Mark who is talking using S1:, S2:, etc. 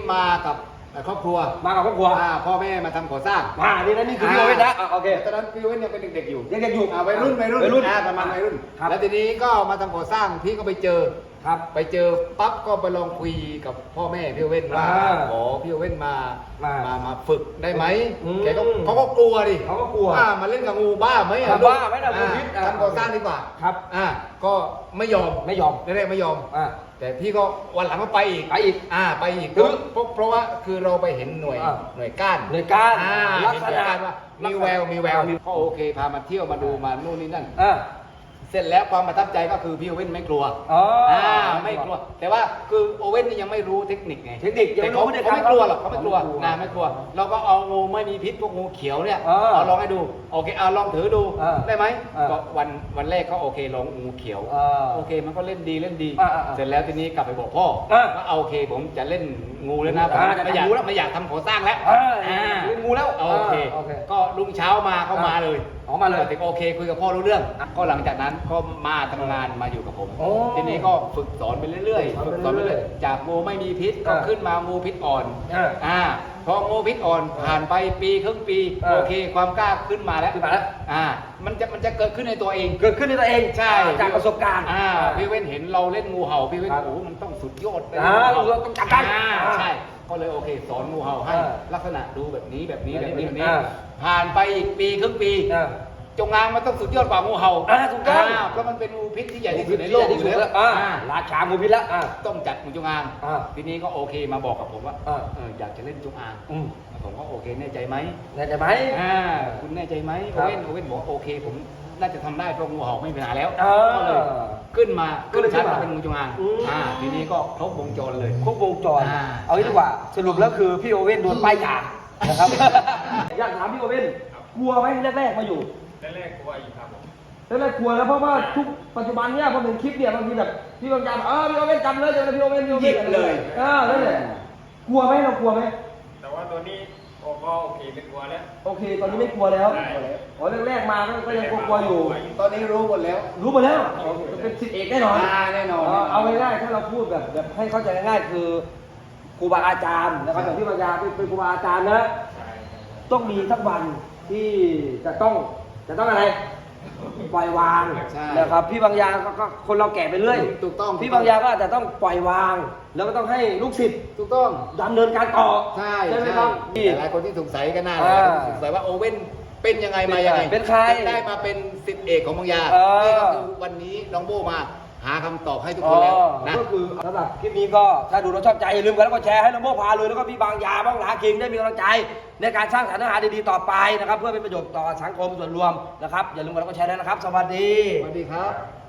S1: มากับครอบครัวพ่อแม่มาทำก่อสร้าง
S2: นี่คือพี่โอเว่นนะโอเค
S1: ตอนนั้นพี่โอเว่นยังเป็นเด็กๆอยู่
S2: เด็กๆอยู่
S1: วัยรุ่นประมาณวัยรุ่นแล้วทีนี้ก็มาทำก่อสร้างพี่ก็ไปเจอปั๊บก็ไปลองคุยกับพ่อแม่พี่โอเว่นว่าขอพี่โอเว่นมาฝึกได้ไหมแกก็เขาก็กลัวดิมาเล่นกับงูบ้าไหม
S2: บ้าไหมนะงูพิษ
S1: ทำก่อสร้างดีกว่า
S2: ครับ
S1: ก็ไม่ยอมแรกๆไม่ยอมแต่พี่ก็วันหลังก็ไปอีกเพราะว่าคือเราไปเห็นหน่วยก้านลักษณะว่ามีแววก็โอเคพามาเที่ยวมาดูมานู่นนี่นั่นเสร็จแล้วความประทับใจก็คือพี่โอเว่นไม่กลัวไม่กลัวแต่ว่าคือโอเว่นนี่ยังไม่รู้เทคนิคไงแต่เขาไม่กลัวหรอกเขาไม่กลัวไม่กลัวเราก็เอางูไม่มีพิษพวกงูเขียวเนี่ยเอาลองให้ดูโอเคเอาลองถือดูได้ไหมก็วันแรกเขาโอเคลองงูเขียวโอเคมันก็เล่นดีเสร็จแล้วทีนี้กลับไปบอกพ่อก็โอเคผมจะเล่นงูแล้วนะไม่อยากทำก่อสร้างแล้ว
S2: เล่นงูแล้ว
S1: โอเคก็รุ่งเช้ามาเข้ามาเลยแต่โอเคคุยกับพ่อรู้เรื่องก็หลังจากนั้นก็มาทำงานมาอยู่กับผมทีนี้ก็ฝึกสอนไปเรื่อยๆจากงูไม่มีพิษก็ขึ้นมางูพิษอ่อนพองูพิษอ่อนผ่านไปปีครึ่งปีโอเคความกล้าขึ้นมาแล้วมันจะเกิดขึ้นในตัวเองใช่
S2: จากประสบการณ์
S1: พี่เว้นเห็นเราเล่นงูเห่าพี่เว้นโอ้มันต้องสุดยอดเลย
S2: ต้องจับได้
S1: ใช่ก็เลยโอเคสอนงูเห่าให้ลักษณะดูแบบนี้ผ่านไปอีกปีครึ่งปีจงอางมันต้องสุดยอดกว่างูเห่า
S2: ถูกต้อง
S1: เพราะมันเป็นงูพิษที่ใหญ่ที่สุดในโลกอยู่แล้ว
S2: ราชางูพิษแล้ว
S1: ต้องจัดงูจงอางทีนี้ก็โอเคมาบอกกับผมว่าอยากจะเล่นจงอางผมก็โอเคแน่ใจไหมคุณแน่ใจไหมโอเว่นบอกโอเคผมน่าจะทำได้เพราะงูเห่าไม่มีปัญหาแล้วก็เลยขึ้นชั้นมาเป็นงูจงอางทีนี้ก็ครบวงจรเลย
S2: เอางี้ดีกว่าสรุปแล้วคือพี่โอเว่นโดนป้ายยานะครับอยากถามพี่โอเว่นกลัวไหมแรกมาอยู่
S3: แรกกลัวอยู่ครับผม
S2: แรกกลัวแล้วเพราะว่าทุกปัจจุบันเนี่ยพอเห็นคลิปเนี่ยบางทีแบบพี่บางจำพี่โอเว่นจำเลยพี่โอเว่น
S1: ยิบเลย
S2: นั่นแหละกลัวไหมเรากลัวไหม
S3: แต่ว่าตัวนี้ก็โอเคไม่กลัวแล้ว
S2: โอเคตอนนี้ไม่กลัวแล้วแรกมาก็ยังกลัวอยู่
S1: ตอนนี้รู้หมดแล้ว
S2: เป็นศิษย์เอกแน่นอนเอาง่ายๆถ้าเราพูดแบบให้เข้าใจง่ายๆคือครูบาอาจารย์นะครับอย่างที่บางยาเป็นครูบาอาจารย์นะต้องมีสักวันที่จะต้องอะไรปล่อยวางนะครับพี่บางยาก็คนเราแก่ไปเรื่อย
S1: ถูกต้อง
S2: พี่บางยาก็แต่ต้องปล่อยวางแล้วก็ต้องให้ลูกศิษย์
S1: ถูกต้อง
S2: ดำเนินการต่อ
S1: ใช่ไหมครับหลายคนที่สงสัยกันน่าสงสัยว่าโอเว่นเป็นยังไงมายังไง
S2: เป็นใคร
S1: ได้มาเป็นศิษย์เอกของบางยานี่ก็คือวันนี้น้องโบมาหาคำตอบให้ทุกคนแล้วนะ
S2: ก็คือสำหรับคลิปนี้ก็ถ้าดูเราชอบใจอย่าลืมกันแล้วก็แชร์ให้น้องโบพาเลยแล้วก็พี่บางยาบ้างหลาคิงได้มีกำลังใจในการสร้างสรรค์เนื้อหาดีๆต่อไปนะครับเพื่อเป็นประโยชน์ต่อสังคมส่วนรวมนะครับอย่าลืมกันแล้วก็แชร์ด้วยนะครับสวัสดี
S1: ครับ